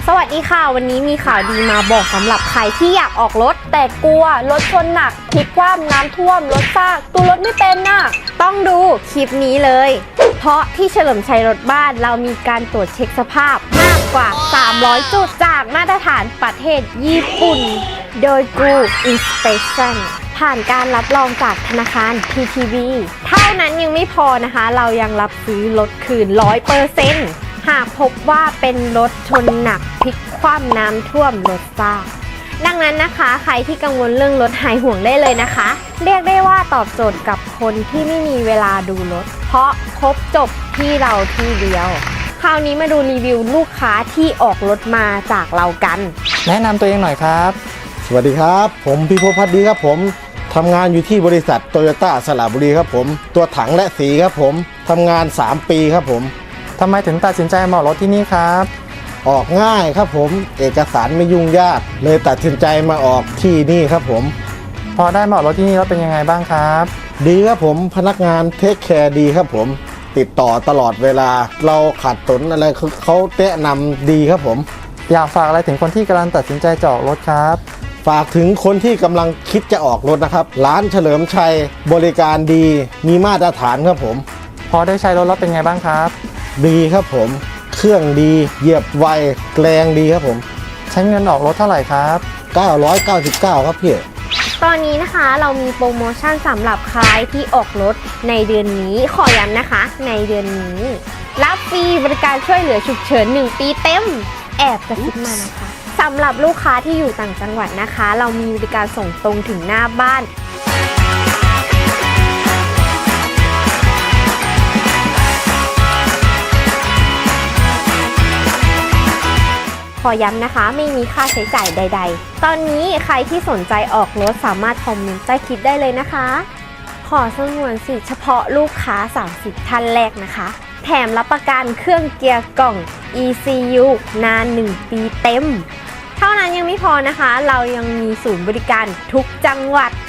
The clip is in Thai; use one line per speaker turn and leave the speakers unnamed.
สวัสดีค่ะวันนี้มีข่าวดีมาบอกสำหรับใครที่อยากออกรถแต่กลัวรถชนหนักพลิกคว่ำน้ำท่วมรถซากตัวรถไม่เป็นน่ะต้องดูคลิปนี้เลยเพราะที่เฉลิมชัยรถบ้านเรามีการตรวจเช็คสภาพมากกว่า300จุดจากมาตรฐานประเทศญี่ปุ่นโดย Group Inspection ผ่านการรับรองจากธนาคาร TTB เท่านั้นยังไม่พอนะคะเรายังรับซื้อรถคืน 100%หากพบว่าเป็นรถชนหนักพลิกคว่ำน้ำท่วมรถซากดังนั้นนะคะใครที่กังวลเรื่องรถหายห่วงได้เลยนะคะเรียกได้ว่าตอบโจทย์กับคนที่ไม่มีเวลาดูรถเพราะครบจบที่เราที่เดียวคราวนี้มาดูรีวิวลูกค้าที่ออกรถมาจากเรากัน
แนะนำตัวเองหน่อยครับ
สวัสดีครับผมพิภพพัฒน์ดีครับผมทำงานอยู่ที่บริษัทโตโยต้าสระบุรีครับผมตัวถังและสีครับผมทำงาน3 ปีครับผม
ทำไมถึงตัดสินใจมาออกรถที่นี่ครับ
ออกง่ายครับผมเอกสารไม่ยุ่งยากเลยตัดสินใจมาออกที่นี่ครับผม
พอได้มาออกรถที่นี่แล้วเป็นยังไงบ้างครับ
ดีครับผมพนักงานเทคแคร์ดีครับผมติดต่อตลอดเวลาเราขาดสนอะไรเขาแนะนำดีครับผม
อยากฝากอะไรถึงคนที่กำลังตัดสินใจจะออกรถครับ
ฝากถึงคนที่กำลังคิดจะออกรถนะครับร้านเฉลิมชัยบริการดีมีมาตรฐานครับผม
พอได้ใช้รถแล้วเป็นไงบ้างครับ
ดีครับผมเครื่องดีเหยียบไวแรงดีครับผม
ใช้เงินออกรถเท่าไหร่ครับ
999ครับพี่
ตอนนี้นะคะเรามีโปรโมชั่นสำหรับใครที่ออกรถในเดือนนี้ขอย้ำนะคะในเดือนนี้รับฟรีบริการช่วยเหลือฉุกเฉิน1 ปีเต็มแอบกระซิบมานะคะสำหรับลูกค้าที่อยู่ต่างจังหวัดนะคะเรามีบริการส่งตรงถึงหน้าบ้านขอย้ำนะคะไม่มีค่าใช้จ่ายใดๆตอนนี้ใครที่สนใจออกรถสามารถคอมเมนต์ใต้คลิปได้เลยนะคะขอสงวนสิทธิ์เฉพาะลูกค้า30ท่านแรกนะคะแถมรับประกันเครื่องเกียร์กล่อง ECU นาน1 ปีเต็มเท่านั้นยังไม่พอนะคะเรายังมีศูนย์บริการทุกจังหวัด